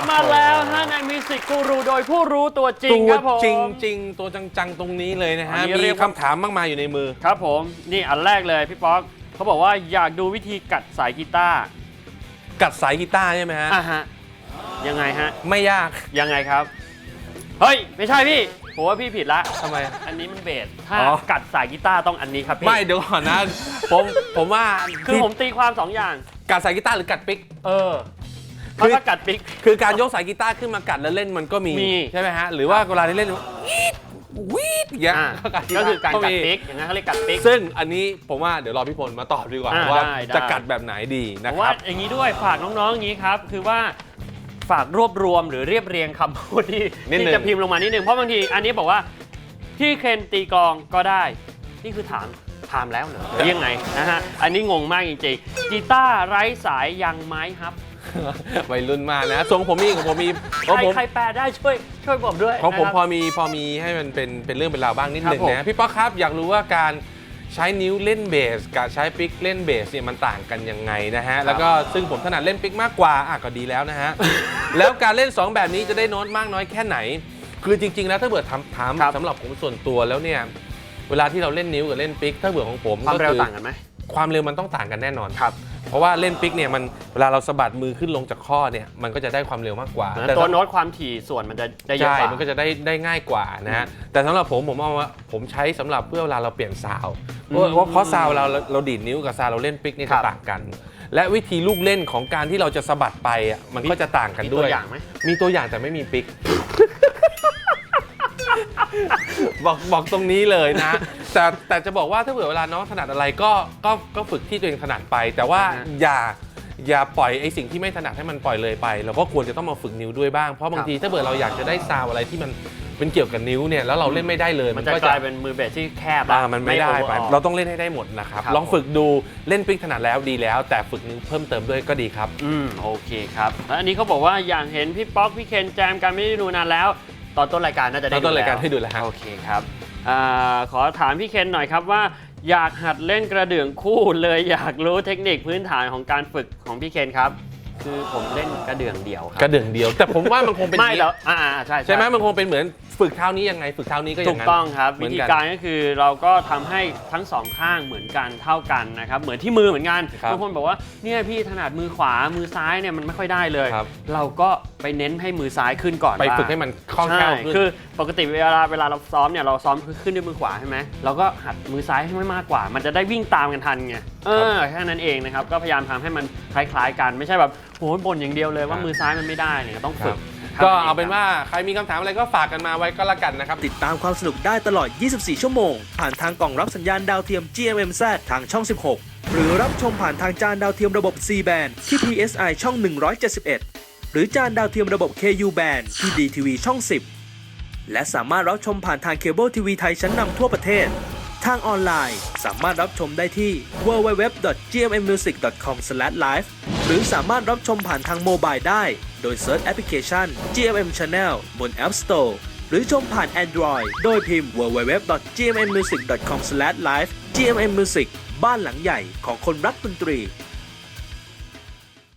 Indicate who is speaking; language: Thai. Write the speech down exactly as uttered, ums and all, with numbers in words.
Speaker 1: บมาแล้วฮะในมิวสิกกูรูโดยผู้รู้ตัวจริงครับผม
Speaker 2: จริงจริงตัวจังๆตรงนี้เลยนะฮะมีคำถามมากมายอยู่ในมือ
Speaker 1: ครับผมนี่อันแรกเลยพี่ป๊อกเขาบอกว่าอยากดูวิธีกัดสายกีตาร์
Speaker 2: กัดสายกีตาร์ใช่ไหมฮะ
Speaker 1: อ่ะฮะยังไงฮะ
Speaker 2: ไม่ยาก
Speaker 1: ยังไงครับเฮ้ยไม่ใช่พี่ผมว่าพี่ผิดละ
Speaker 2: ทำไม
Speaker 1: อันนี้มันเบสถ้ากัดสายกีตาร์ต้องอันนี้ครับพี่
Speaker 2: ไม่เดี๋ยวก่อนนะผมผมว่า
Speaker 1: คือผมตีความสองอย่าง
Speaker 2: กัดสายกีตาร์หรือกัดปิก
Speaker 1: เออเพราะถ้ากัดปิก
Speaker 2: คือการยกสายกีตาร์ขึ้นมากัดแล้วเล่นมันก็มีใช่ไหมฮะหรือว่าเวลาที่เล่นวีดอย่างเงี้ย
Speaker 1: ก็คือการกัดปิกอย่างนั้นเขาเรียกกัดปิก
Speaker 2: ซึ่งอันนี้ผมว่าเดี๋ยวรอพี่พลมาตอบดีกว่าว่าจะกัดแบบไหนดีนะครับ
Speaker 1: ว่าอย่างนี้ด้วยฝากน้องๆอย่างนี้ครับคือว่าฝากรวบรวมหรือเรียบเรียงคำพูดที่ที่จะพิมพ์ลงมานิดนึงเพราะบางทีอันนี้บอกว่าที่เคนตีกลองก็ได้นี่คือถามถามแล้วเหรอยังไงนะฮะอันนี้งงมากจริงๆกีตาร์ไร้สายยังไม้ครับ
Speaker 2: วัยรุ่นมากนะทรงผมมีของผมมี
Speaker 1: ใครใครแปลได้ช่วยช่วยบอกด้วย
Speaker 2: ของผมพอมีพอมีให้มันเป็นเป็นเรื่องเป็นราวบ้างนิดนึงนะพี่ป๊อกครับอยากรู้ว่าการใช้นิ้วเล่นเบสกับใช้ปิกเล่นเบสเนี่ยมันต่างกันยังไงนะฮะแล้วก็ซึ่งผมถนัดเล่นปิกมากกว่าอ่ะก็ดีแล้วนะฮะแล้วการเล่นสองแบบนี้จะได้โน้ตมากน้อยแค่ไหนคือจริงๆแล้วถ้าเบื่อทำถามสำหรับผมส่วนตัวแล้วเนี่ยเวลาที่เราเล่นนิ้วกับเล่นปิกถ้าเบื่อของผม
Speaker 1: ความเร็วต่างกันไหม
Speaker 2: ความเร็วมันต้องต่างกันแน่นอนครับเพราะว่าเล่นปิกเนี่ยมันเวลาเราสะบัดมือขึ้นลงจากข้อเนี่ยมันก็จะได้ความเร็วมากกว่า
Speaker 1: แต่ตัวโน้ตความถี่ส่วนมันจะได้เยอะกว่า
Speaker 2: มันก็จะได้ได้ง่ายกว่านะฮะแต่สำหรับผมผมเอาว่าผมใช้สำหรับเพื่อเวลาเราเปลี่ยนซาวด์เพราะเพราะซาวด์เราเราดีดนิ้วกับซาวด์เราเล่นปิกนี่จะต่างกันและวิธีลูกเล่นของการที่เราจะสะบัดไปอ่ะมันก็จะต่างกันด้วยมีตัว
Speaker 1: อย่างไหม
Speaker 2: มีตัวอย่างแต่ไม่มีปิกบอกบอกตรงนี้เลยนะแต่แต่จะบอกว่าถ้าเผื่อเวลาน้องถนัดอะไรก็ก็ก็ฝึกที่ตัวเองถนัดไปแต่ว่าอย่าอย่าปล่อยไอ้สิ่งที่ไม่ถนัดให้มันปล่อยเลยไปเราก็ควรจะต้องมาฝึกนิ้วด้วยบ้างเพราะบางทีถ้าเผื่อเราอยากจะได้ซาวอะไรที่มันเป็นเกี่ยวกับนิ้วเนี่ยแล้วเราเล่นไม่ได้เลย
Speaker 1: มันจะกลายเป็นมือเบสที่แคบ
Speaker 2: มันไม่ได้ไปเราต้องเล่นให้ได้หมดนะครับลองฝึกดูเล่นปิกถนัดแล้วดีแล้วแต่ฝึกนิ้วเพิ่มเติมด้วยก็ดีครับ
Speaker 1: อืมโอเคครับแล้วอันนี้เขาบอกว่าอยากเห็นพี่ป๊อกพี่เคนแจมกันไม่ได้ดูนานแล้วตอนต้นรายการน่าจะได้ดูแล้ว
Speaker 2: ตอนต้นรายการให้ดูแล้ว
Speaker 1: โอเคครับขอถามพี่เคนหน่อยครับว่าอยากหัดเล่นกระเดื่องคู่เลยอยากรู้เทคนิคพื้นฐานของการฝึกของพี่เคนครับคือผมเล่นกระเดื่องเดียวครับ
Speaker 2: กระเดื่องเดียวแต่ผมว่ามันคงเป็น
Speaker 1: ไม่แล้วอ่าใช่
Speaker 2: ใช่ไหมมันคงเป็นเหมือนฝึกเท้านี้ยังไงฝึกเท้านี้ก็อย่างนั้น
Speaker 1: ถูกต้องครับวิธีการก็คือเราก็ทำให้ทั้งสองข้างเหมือนกันเท่ากันนะครับเหมือนที่มือเหมือนกันบางคนบอกว่าเนี่ยพี่ถนัดมือขวามือซ้ายเนี่ยมันไม่ค่อยได้เลยเราก็ไปเน้นให้มือซ้ายขึ้นก่อน
Speaker 2: ไปฝึกให้มันคล่องแคล่วขึ้น
Speaker 1: คือปกติเวลาเวลาเราซ้อมเนี่ยเราซ้อมขึ้นด้วยมือขวาใช่ไหมเราก็หัดมือซ้ายให้ไม่มากกว่ามันจะได้วิ่งตามกันทันไงเออแค่นั้นเองนะครับก็พยายามทำให้มันคล้ายๆกันไม่ใช่แบบโหบ่นอย่างเดียวเลยว่ามือซ้ายมันไม่ได้เนี่ยต้องฝึก
Speaker 2: ก็เอาเป็นว่าใครมีคำถามอะไรก็ฝากกันมาไว้ก็แล้วกันนะครับ
Speaker 3: ติดตามความสนุกได้ตลอดยี่สิบสี่ชั่วโมงผ่านทางกล่องรับสัญญาณดาวเทียม จี เอ็ม เอ็ม แซด ทางช่องสิบหกหรือรับชมผ่านทางจานดาวเทียมระบบ ซี แบนด์ ที่ พี เอส ไอ ช่องหนึ่งร้อยเจ็ดสิบเอ็ดหรือจานดาวเทียมระบบ เค ยู แบนด์ ที่ ดี ที วี ช่องสิบและสามารถรับชมผ่านทางเคเบิลทีวีไทยชั้นนำทั่วประเทศทางออนไลน์สามารถรับชมได้ที่ ดับเบิลยู ดับเบิลยู ดับเบิลยู ดอท จี เอ็ม เอ็ม มิวสิก ดอท คอม สแลช ไลฟ์ หรือสามารถรับชมผ่านทางโมบายได้โดยเซิร์ชแอปพลิเคชัน จี เอ็ม เอ็ม Channel บน App Store หรือชมผ่าน Android โดยพิมพ์ ดับเบิลยู ดับเบิลยู ดับเบิลยู ดอท จี เอ็ม เอ็ม มิวสิก ดอท คอม สแลช ไลฟ์ จี เอ็ม เอ็ม Music บ้านหลังใหญ่ของคนรักดนตรี